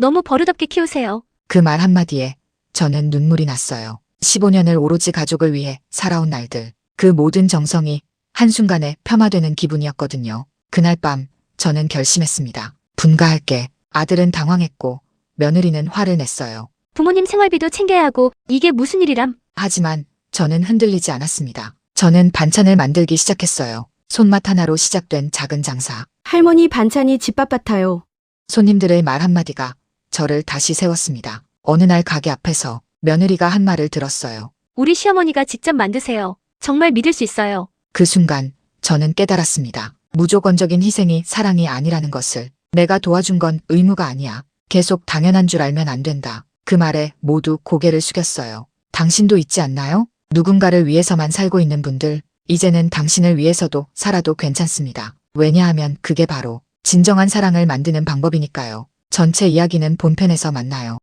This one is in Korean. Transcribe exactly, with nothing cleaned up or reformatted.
너무 버릇없게 키우세요. 그 말 한마디에 저는 눈물이 났어요. 십오 년을 오로지 가족을 위해 살아온 날들. 그 모든 정성이 한순간에 폄하되는 기분이었거든요. 그날 밤 저는 결심했습니다. 분가할게. 아들은 당황했고 며느리는 화를 냈어요. 부모님 생활비도 챙겨야 하고 이게 무슨 일이람? 하지만 저는 흔들리지 않았습니다. 저는 반찬을 만들기 시작했어요. 손맛 하나로 시작된 작은 장사. 할머니 반찬이 집밥 같아요. 손님들의 말 한마디가 저를 다시 세웠습니다. 어느 날 가게 앞에서 며느리가 한 말을 들었어요. 우리 시어머니가 직접 만드세요. 정말 믿을 수 있어요. 그 순간 저는 깨달았습니다. 무조건적인 희생이 사랑이 아니라는 것을. 내가 도와준 건 의무가 아니야. 계속 당연한 줄 알면 안 된다. 그 말에 모두 고개를 숙였어요. 당신도 있지 않나요? 누군가를 위해서만 살고 있는 분들, 이제는 당신을 위해서도 살아도 괜찮습니다. 왜냐하면 그게 바로 진정한 사랑을 만드는 방법이니까요. 전체 이야기는 본편에서 만나요.